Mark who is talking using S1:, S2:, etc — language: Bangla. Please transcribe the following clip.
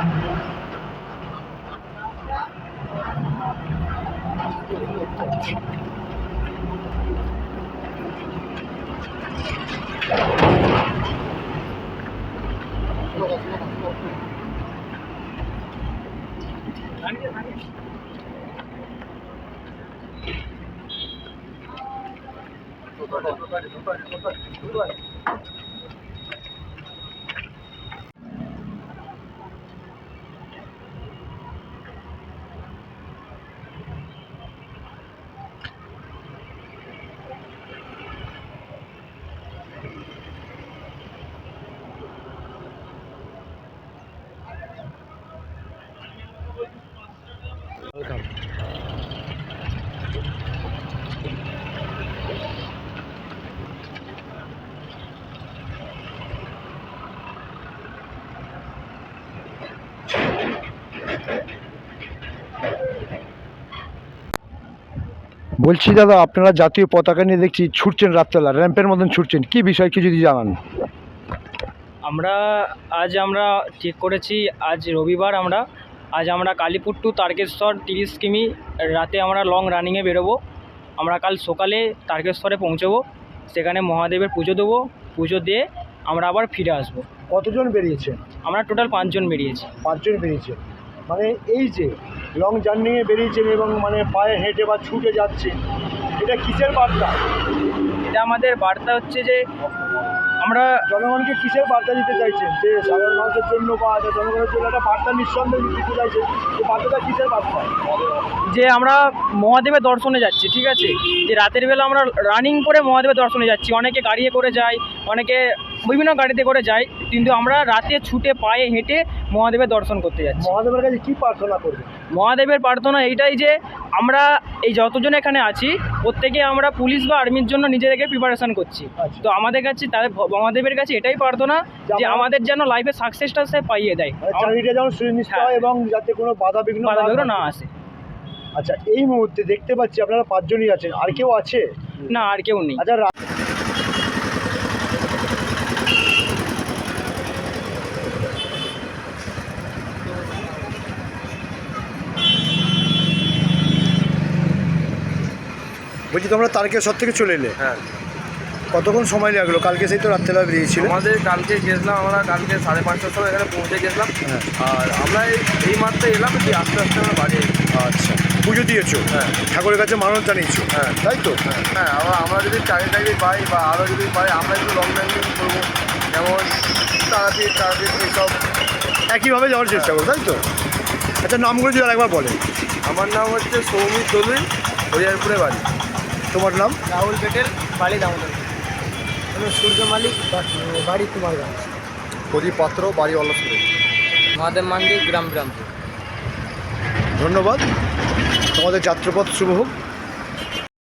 S1: বলছি দাদা, আপনারা জাতীয় পতাকা নিয়ে দেখছি ছুটছেন, রাত্রেবেলা র্যাম্পের মতন ছুটছেন, কি বিষয় কি যদি জানান?
S2: আমরা ঠিক করেছি, আজ রবিবার আজ আমরা কালীপুর টু তারকেশ্বর 30 কিমি রাতে আমরা লং রানিংয়ে বেরোবো। আমরা কাল সকালে তারকেশ্বরে পৌঁছবো, সেখানে মহাদেবের পুজো দেবো, পুজো দিয়ে আমরা আবার ফিরে আসবো।
S1: কতজন বেরিয়েছেন?
S2: আমরা টোটাল 5 জন বেরিয়েছি।
S1: 5 জন বেরিয়েছেন। মানে এই যে লং জার্নিংয়ে বেরিয়েছেন এবং মানে পায়ে হেঁটে বা ছুটে যাচ্ছেন, এটা কিসের বার্তা?
S2: এটা আমাদের বার্তা হচ্ছে যে আমরা
S1: জনগণকে কিসের বার্তা দিতে চাইছেন? যে সাধারণ মানুষের জন্য বা জনগণের জন্য একটা বার্তা নিঃসন্দেহে দিতে চাইছেন, এই বার্তাটা কিসের বার্তা?
S2: যে আমরা মহাদেবের দর্শনে যাচ্ছি, ঠিক আছে, যে রাতের বেলা আমরা রানিং করে মহাদেবের দর্শনে যাচ্ছি। অনেকে গাড়িতে করে যায়, অনেকে বিভিন্ন গাড়িতে করে যায়, কিন্তু আমরা রাতে ছুটে পায়ে হেঁটে মহাদেবের দর্শন করতে যাচ্ছি।
S1: মহাদেবের কাছে কী প্রার্থনা করবেন?
S2: মহাদেবের প্রার্থনা এইটাই যে আমরা এই যতজন এখানে আছি প্রত্যেকে আমরা পুলিশ বা আর্মির জন্য নিজেদেরকে প্রিপারেশন করছি।
S1: আচ্ছা।
S2: তো আমাদের কাছে মহাদেবের কাছে এটাই প্রার্থনা যে আমাদের যেন লাইফে সাকসেসটা সে পাইয়ে দেয়,
S1: চাকরিটা যেন সুনিশ্চিত হয় এবং যাতে কোনো বাধা বিঘ্ন
S2: না আসে।
S1: আচ্ছা, এই মুহূর্তে দেখতে পাচ্ছি আপনারা 5 জনই আছেন, আর কেউ আছে?
S2: না, আর কেউ নেই।
S1: আচ্ছা, বলছি তোমরা তারকেশ্বর থেকে চলে এলে?
S3: হ্যাঁ।
S1: কতক্ষণ সময় লাগলো? কালকে সেই তো রাত্রেবেলা বেরিয়েছিল।
S3: আমাদের কালকে গেছিলাম, আমরা কালকে 5:30টার সময় এখানে পৌঁছে গেছিলাম।
S1: হ্যাঁ।
S3: আর আমরা এই মাত্র এলাম, যে আস্তে আস্তে আমরা বাড়ি।
S1: আচ্ছা, পুজো দিয়েছো?
S3: হ্যাঁ।
S1: ঠাকুরের কাছে মানত জানিয়েছো?
S3: হ্যাঁ।
S1: তাই তো?
S3: হ্যাঁ, আমরা যদি চাকরি পাই বা আরও যদি পাই, আমরা একটু লং রানিং করবো, যেমন তারাপীঠ এইসব
S1: একইভাবে যাওয়ার চেষ্টা করো, তাই তো? আচ্ছা, নামগুলো যদি আরেকবার বলে।
S3: আমার নাম হচ্ছে সৌমিত দলুই, হরিয়ারপুরে বাড়ি।
S1: তোমার নাম?
S2: রাহুল পেটেল, বাড়ি দামোদর।
S1: আমি সূর্য মালিক, বাড়ি কুমারগঞ্জ। প্রদীপ পাত্র, বাড়ি অলসপুরে।
S2: মহাদেব মন্দির, গ্রাম।
S1: ধন্যবাদ, তোমাদের যাত্রাপথ শুভ হোক।